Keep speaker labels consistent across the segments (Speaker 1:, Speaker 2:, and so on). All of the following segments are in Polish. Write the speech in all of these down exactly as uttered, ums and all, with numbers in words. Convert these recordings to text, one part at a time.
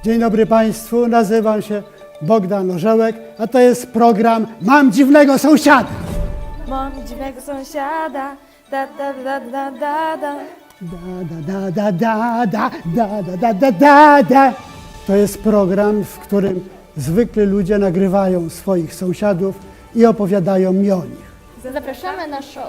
Speaker 1: Dzień dobry Państwu, nazywam się Bogdan Orzełek, a to jest program Mam dziwnego sąsiada.
Speaker 2: Mam dziwnego sąsiada, da da da da da da.
Speaker 1: Da, da, da, da, da, da, da, da, da, da, da. To jest program, w którym zwykli ludzie nagrywają swoich sąsiadów i opowiadają mi o nich.
Speaker 2: Zapraszamy na show.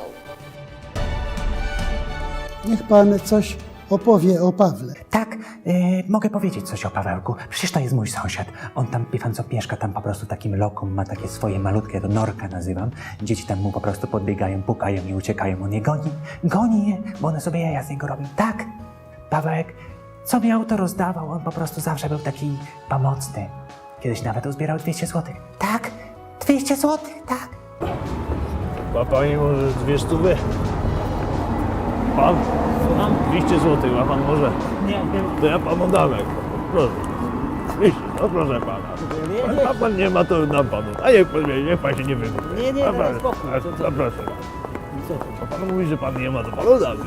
Speaker 1: Niech Pan coś opowie o Pawle.
Speaker 3: Tak, yy, mogę powiedzieć coś o Pawełku. Przecież to jest mój sąsiad. On tam, wie pan co, mieszka tam po prostu takim lokum, ma takie swoje malutkie, to norka nazywam. Dzieci tam mu po prostu podbiegają, pukają i uciekają. On je goni, goni je, bo one sobie jaja z niego robią. Tak, Pawełek, co miał, to rozdawał. On po prostu zawsze był taki pomocny. Kiedyś nawet uzbierał dwieście złotych. Tak, dwieście złotych, tak.
Speaker 4: Ma pani może dwie stówy? Pan? Mam dwieście złotych, ma pan może?
Speaker 5: Nie, nie.
Speaker 4: To ja panu dam. jak- Proszę. dwieście, no proszę pana.
Speaker 5: Nie, nie.
Speaker 4: A pan nie ma, to dam panu. A niech pan, niech pan się nie wygłupi.
Speaker 5: Nie, nie,
Speaker 4: A
Speaker 5: daj
Speaker 4: pan-
Speaker 5: spokój.
Speaker 4: a-
Speaker 5: Co- co-
Speaker 4: a proszę.
Speaker 5: Co to?
Speaker 4: A pan mówi, że pan nie ma, to panu dam.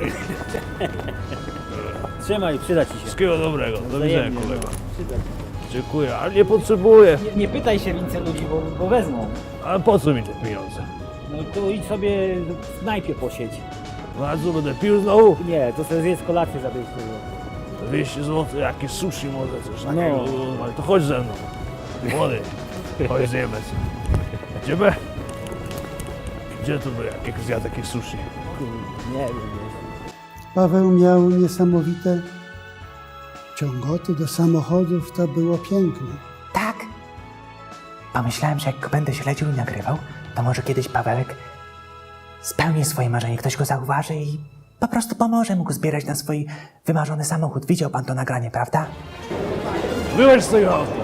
Speaker 5: Trzymaj, przyda ci się.
Speaker 4: Wszystkiego dobrego. Do widzenia,
Speaker 5: Wzajemnie,
Speaker 4: kolego.
Speaker 5: no. Przyda ci
Speaker 4: Dziękuję, ale nie potrzebuję.
Speaker 5: się. Nie, nie pytaj się więcej ludzi, bo, bo wezmą.
Speaker 4: A po co mi te pieniądze?
Speaker 5: No to idź sobie w knajpie posiedź.
Speaker 4: No a co, będę pił znowu?
Speaker 5: Nie, to sobie zjedz kolację za dwieście złotych.
Speaker 4: dwieście złotych, jakieś sushi może, coś
Speaker 5: No.
Speaker 4: takiego. Ale to chodź ze mną. Młody, chodź zjemy sobie. Idziemy? Gdzie to by jak zjadł jakieś sushi?
Speaker 5: Kurde, nie wiem.
Speaker 1: Paweł miał niesamowite ciągoty do samochodów, to było piękne.
Speaker 3: Tak. Pomyślałem, że jak go będę śledził i nagrywał, to może kiedyś Pawełek spełni swoje marzenie, ktoś go zauważy i po prostu pomoże mu go zbierać na swój wymarzony samochód. Widział pan to nagranie, prawda?
Speaker 4: Wyłącz z tego auta.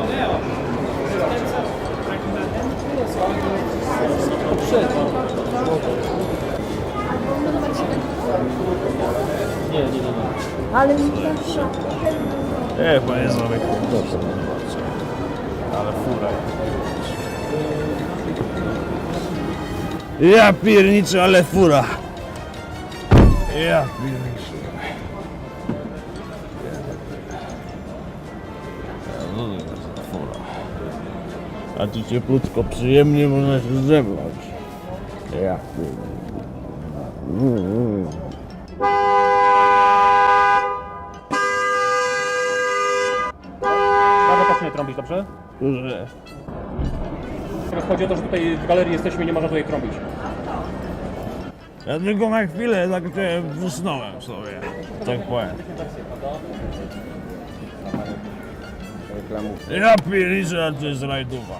Speaker 5: Nie, nie, nie. nie.
Speaker 4: Nie, panie Zamek. Dobrze. Ale fura. Ja pierniczę, ale fura. Ja pierniczę. No, no, no, fura. A tu cieplutko, przyjemnie można się zebrać. Ja pierniczę.
Speaker 6: Bardzo proszę nie trąbić, dobrze?
Speaker 4: Że...
Speaker 6: Teraz chodzi o to, że tutaj w galerii jesteśmy i nie można tutaj trąbić.
Speaker 4: Ja tylko na chwilę tak tutaj wysnąłem sobie, tak powiem. Ja pierniczę, a to jest rajdowa.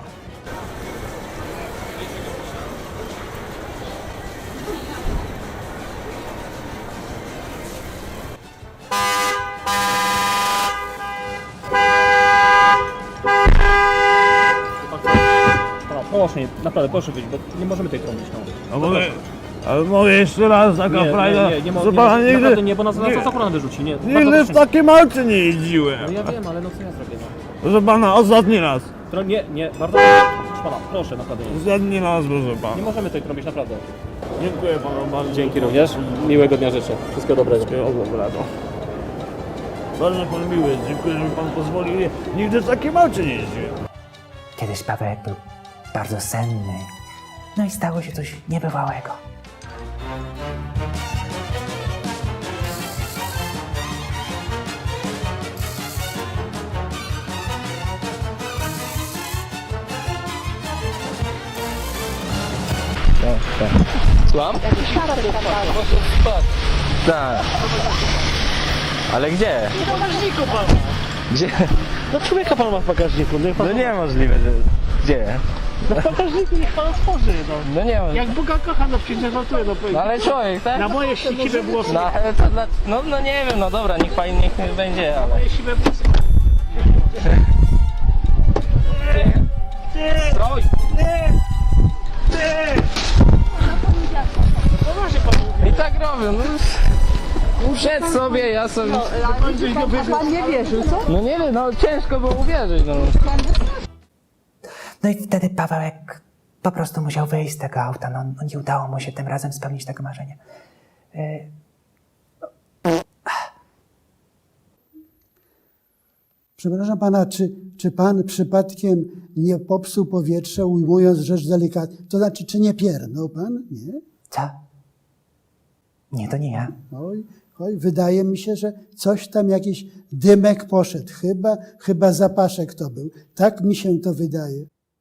Speaker 6: No, proszę, nie, naprawdę, proszę wyjść, bo nie możemy tutaj trąbić. No.
Speaker 4: A mogę, ale mogę jeszcze raz taka
Speaker 6: Nie,
Speaker 4: frajda?
Speaker 6: nie, nie, nie, mo-
Speaker 4: Co
Speaker 6: nie,
Speaker 4: pana
Speaker 6: nie,
Speaker 4: nigdy,
Speaker 6: naprawdę nie, bo nas, nas
Speaker 4: nie-
Speaker 6: za akurat wyrzuci, nie. Bardzo
Speaker 4: nigdy w
Speaker 6: proszę.
Speaker 4: takim aucie nie jeździłem.
Speaker 6: No ja wiem, ale no co ja zrobię, no.
Speaker 4: Proszę pana, ostatni raz.
Speaker 6: Tro, nie, nie, bardzo proszę, proszę pana, proszę, naprawdę nie.
Speaker 4: Ostatni raz, proszę
Speaker 6: Nie
Speaker 4: pana.
Speaker 6: możemy tutaj trąbić, naprawdę.
Speaker 4: Dziękuję panu bardzo.
Speaker 6: Dzięki również, miłego dnia życzę, wszystkiego dobrego.
Speaker 4: Wszystkiego dobrego. Bardzo pan miły jest, dziękuję, że mi pan pozwolił. Nie- Nigdy w takim aucie nie jeździłem.
Speaker 3: Kiedyś Pawełek był bardzo senny. No i stało się coś niebywałego.
Speaker 7: Tak. Ale gdzie?
Speaker 8: W bagażniku pan.
Speaker 7: Gdzie?
Speaker 8: No człowieka pan ma w bagażniku, niech pan...
Speaker 7: No niemożliwe, że... Gdzie?
Speaker 8: No w bagażniku niech pan otworzy, no.
Speaker 7: No nie ma.
Speaker 8: Jak Boga kocha, no przecież żartuję, no
Speaker 7: No ale człowiek, tak?
Speaker 8: na moje siwe włosy,
Speaker 7: No ale to dla... No, no nie wiem, no dobra, niech pani niech będzie, ale...
Speaker 8: moje siwe włosy.
Speaker 7: Stroj!
Speaker 8: Poważnie pan mówi.
Speaker 7: I tak robią, no... Przed sobie, ja sobie...
Speaker 8: Pan nie wierzył, co?
Speaker 7: No nie wiem, no ciężko było uwierzyć, no.
Speaker 3: No i wtedy Pawełek po prostu musiał wyjść z tego auta. No, no nie udało mu się tym razem spełnić tego marzenia. Yy,
Speaker 1: Przepraszam pana, czy, czy pan przypadkiem nie popsuł powietrza, ujmując rzecz delikatnie? To znaczy, czy nie pierdnął pan? Nie?
Speaker 3: Co? Nie, to nie ja.
Speaker 1: Oj, oj, wydaje mi się, że coś tam, jakiś dymek poszedł. Chyba, chyba zapaszek to był. Tak mi się to wydaje.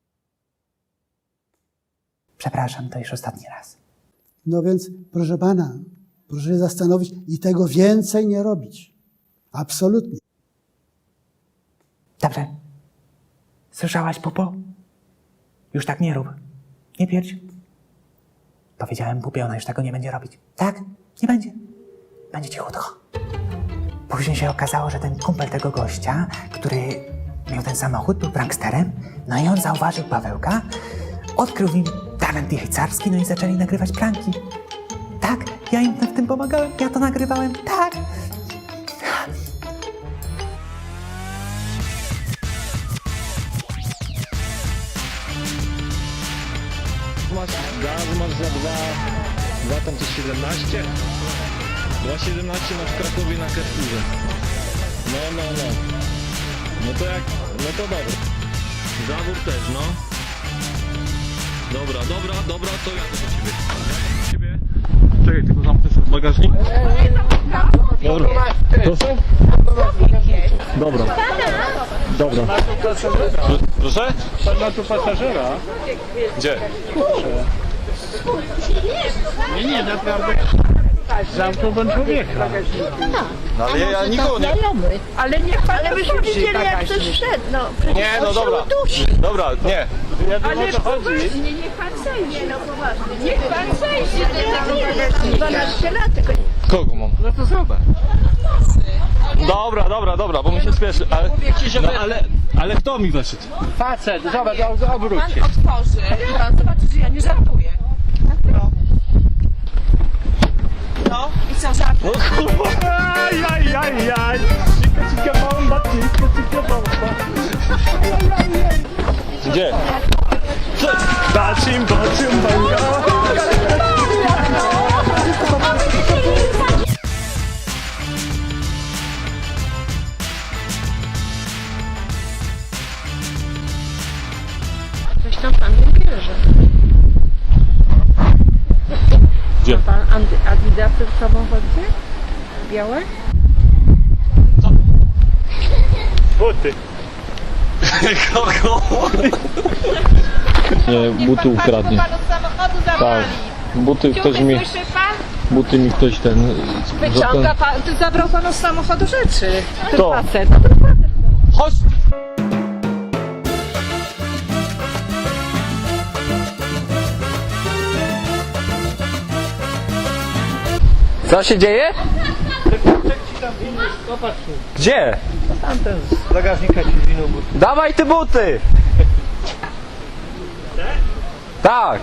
Speaker 3: Przepraszam, to już ostatni raz.
Speaker 1: No więc, proszę pana, proszę się zastanowić i tego więcej nie robić. Absolutnie.
Speaker 3: Dobrze. Słyszałaś, Pupo? Już tak nie rób. Nie pierdź. Powiedziałem Pupie, ona już tego nie będzie robić. Tak? Nie będzie. Będzie cichutko. Później się okazało, że ten kumpel tego gościa, który miał ten samochód, był pranksterem, no i on zauważył Pawełka, odkrył w nim talent jajcarski, no i zaczęli nagrywać pranki. Tak, ja im w tym pomagałem, ja to nagrywałem, tak.
Speaker 9: Masz gaz, masz za dwa, dwa tam coś siedemnaście? dwa siedemnaście masz w Krakowie na Carrefourze. No, no, no. No to jak, no to dobra. Zawór też, no. Dobra, dobra, dobra, to jadę do ciebie. Jadę do ciebie. Czekaj, tylko zamknę sobie bagażnik. Dobra. Proszę? Dobra. Dobra. Proszę?
Speaker 8: Pan ma tu pasażera.
Speaker 9: Gdzie?
Speaker 8: Nie, nie, naprawdę. Zamknął pan człowieka.
Speaker 9: No ale ja, ja nikogo nie...
Speaker 8: Ale niech pan ale byśmy widzieli, jak ktoś wszedł. No,
Speaker 9: Nie, no dobra. Dobra, nie.
Speaker 8: ale poważnie, niech pan zejdzie, no poważnie. Niech pan zejdzie, dwanaście lat.
Speaker 9: Kogo mam?
Speaker 8: No to zobacz.
Speaker 9: Dobra, dobra, dobra, bo mi się spieszy, ale... No, ale, ale kto mi weszedł?
Speaker 8: Facet, zobacz, obróć się.
Speaker 10: Pan otworzy i pan zobaczy, że ja nie żartuję. No. No i co, żartuję?
Speaker 9: No kurwa! Aj, aj, aj, aj! Cika, cika, bomba, cika, cika, bomba. Gdzie? Co? Bacim, bacim, banga!
Speaker 10: Coś tam pan nie bierze.
Speaker 9: Gdzie?
Speaker 10: Pan Adidasy w samochodzie? Białe?
Speaker 9: Buty. Kogo? Nie, buty ukradnie. Tak, buty ktoś mi... Buty mi ktoś ten...
Speaker 10: Wyciąga pan, ty zabrał panu z samochodu rzeczy. Ten
Speaker 9: Kto?
Speaker 10: facet.
Speaker 9: Chodź! Co się dzieje? Gdzie?
Speaker 8: Tamten z bagażnika ci zwinął buty.
Speaker 9: Dawaj te buty! Tak!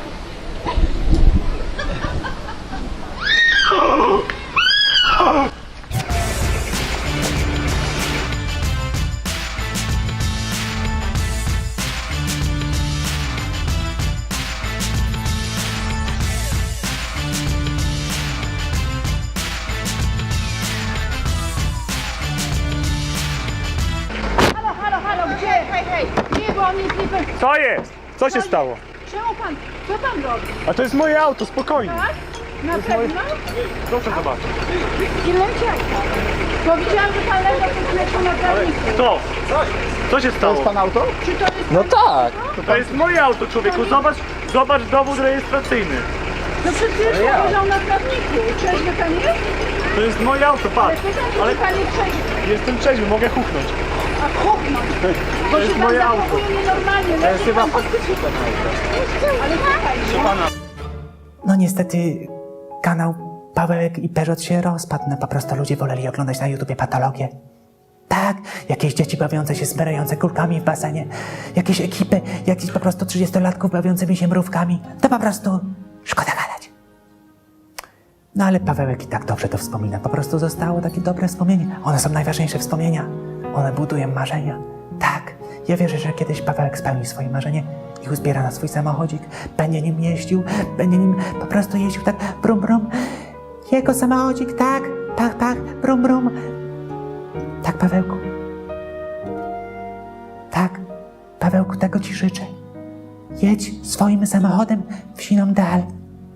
Speaker 8: Halo, halo, halo, gdzie? Hej, hej. Nie, bo on jest niby...
Speaker 6: Co jest? Co się stało?
Speaker 8: Czemu pan, co pan robi?
Speaker 6: A to jest moje auto, spokojnie.
Speaker 8: Tak? Na pewno?
Speaker 6: Proszę zobaczyć.
Speaker 8: I leciał pan. Bo widziałam, że pan leżał pod leczą na trawniku.
Speaker 6: Kto? Co się stało? To jest pan auto?
Speaker 8: Czy to jest...
Speaker 9: No tak!
Speaker 6: To jest moje auto, człowieku. Zobacz, zobacz dowód rejestracyjny.
Speaker 8: No przecież pan leżał na trawniku. Trzeźwy pan jest?
Speaker 6: To jest moje auto,
Speaker 8: Ale
Speaker 6: patrz.
Speaker 8: to znaczy,
Speaker 6: Ale
Speaker 8: że pan jest trzeźwy.
Speaker 6: jestem trzeźwy, mogę huknąć.
Speaker 8: A chłopnąć. Bo
Speaker 6: To jest
Speaker 8: się pan
Speaker 6: moje auto.
Speaker 8: zachowuje nienormalnie. To jest chyba faktycznie ten auto. Ale słuchaj,
Speaker 3: No niestety kanał Pawełek i Peżot się rozpadł. No po prostu ludzie woleli oglądać na YouTubie patologię. Tak, jakieś dzieci bawiące się smerające kulkami w basenie. Jakieś ekipy, jakichś po prostu trzydziestolatków bawiącymi się mrówkami. To po prostu szkoda gadać. No ale Pawełek i tak dobrze to wspomina. Po prostu zostało takie dobre wspomnienie. One są najważniejsze wspomnienia. One budują marzenia. Tak, ja wierzę, że kiedyś Pawełek spełni swoje marzenie i uzbiera na swój samochodzik. Będzie nim jeździł, będzie nim po prostu jeździł tak brum brum. Jego samochodzik, tak, tak, tak, brum brum. Tak, Pawełku. Tak, Pawełku, tego ci życzę. Jedź swoim samochodem w siną dal.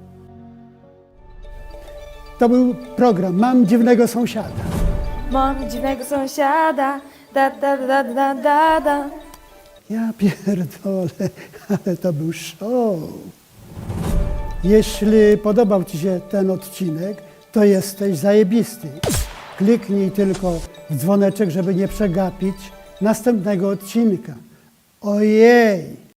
Speaker 1: To był program Mam dziwnego sąsiada.
Speaker 2: Mam dziwnego sąsiada, da da da da da da.
Speaker 1: Ja pierdolę, ale to był show. Jeśli podobał Ci się ten odcinek, to jesteś zajebisty. Kliknij tylko w dzwoneczek, żeby nie przegapić następnego odcinka. Ojej!